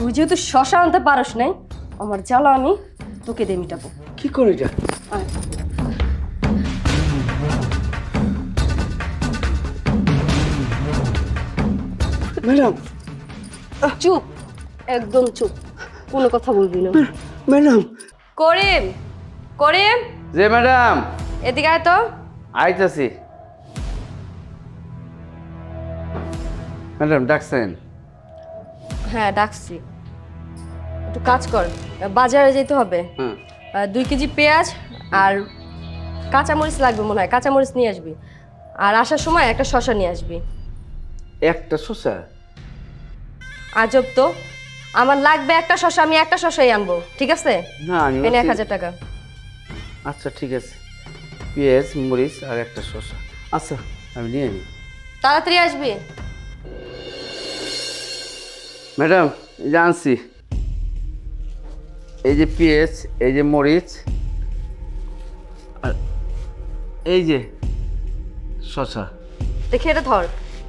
তুই যেহেতু শশা আনতে পারস নাই, আমার জ্বালা আমি তোকে দিয়ে মিটাবো। কি করে এটা? আয়। ম্যাডাম, চুপ, একদম চুপ, কোনো কথা বলবি না। ম্যাডাম। করিম, করিম, যে ম্যাডাম, এদিকে আয় তো। আইতাছি। ম্যাডাম ডাকছেন? হ্যাঁ ডাকছি। একটু কাজ কর, বাজারে যেতে হবে। হ্যাঁ। 2 কেজি পেঁয়াজ আর কাঁচামরিচ লাগবে মনে হয়, কাঁচামরিচ নিয়ে আসবি। আর আসার সময় একটা শসা নিয়ে আসবি। একটা শসা? আজব তো, আমার লাগবে একটা শসা, আমি একটা শসাই আনবো, ঠিক আছে? না আমি এনে ভাবছি- 1000 টাকা। আচ্ছা ঠিক আছে, পেঁয়াজ মরিচ আর একটা শসা। আচ্ছা আমি নিয়ে নিই। তাড়াতাড়ি আসবি। ম্যাডাম এই যে আনছি, এই যে পেঁয়াজ, এই যে মরিচ, আর এই যে শসা। দেখি এটা ধর।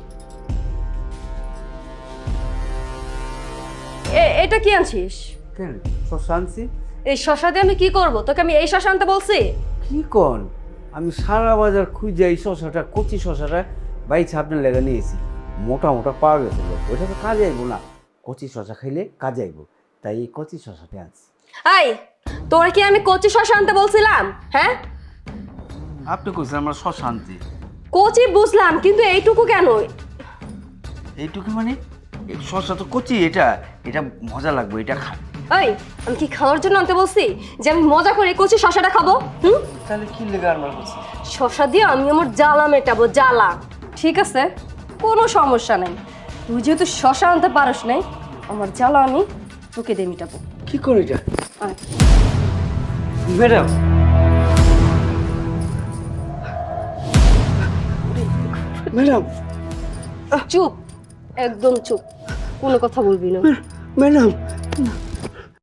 এটা কি আনছিস? কেন শসা আনছি? এই শসা দিয়ে আমি কি করব? তোকে আমি এই শসা আনতে বলছি? কি কন, আমি সারা বাজার খুঁজে এই শসাটা, কচি শসাটা বাইছে আপনার লেগে নিয়েছি। মোটা মোটা পাওয়া গেছিল, ওইটা তো কাজে আইব না। কচি শসা খাইলে কাজে আইব, তাই এই কচি শসাটা আনছি। এই, তোর কি আমি কচি শসা আনতে বলছিলাম? হ্যাঁ, আপনি কইছেন আমরা শসা আনছি। কচি বুঝলাম, কিন্তু এইটুকু কেন? এইটুকু মানে এই শসা তো কচি, এটা এটা মজা লাগবে, এটা খা। এই, আমি কি খাওয়ার জন্য আনতে বলছি যে আমি মজা করে কচি শসাটা খাবো? হুম, তাহলে কি লেগে আমার কাছে? শসা দিয়ে আমি আমার জ্বালা মেটাবো, জ্বালা। ঠিক আছে, কোনো সমস্যা নেই। তুই যেহেতু শসা আনতে পারস নাই, আমার জ্বালা আমি তোকে দিয়ে মিটাবো। কি করে এটা? আয়। ম্যাডাম, ম্যাডাম, চুপ, একদম চুপ, কোনো কথা বলবি না। ম্যাডাম।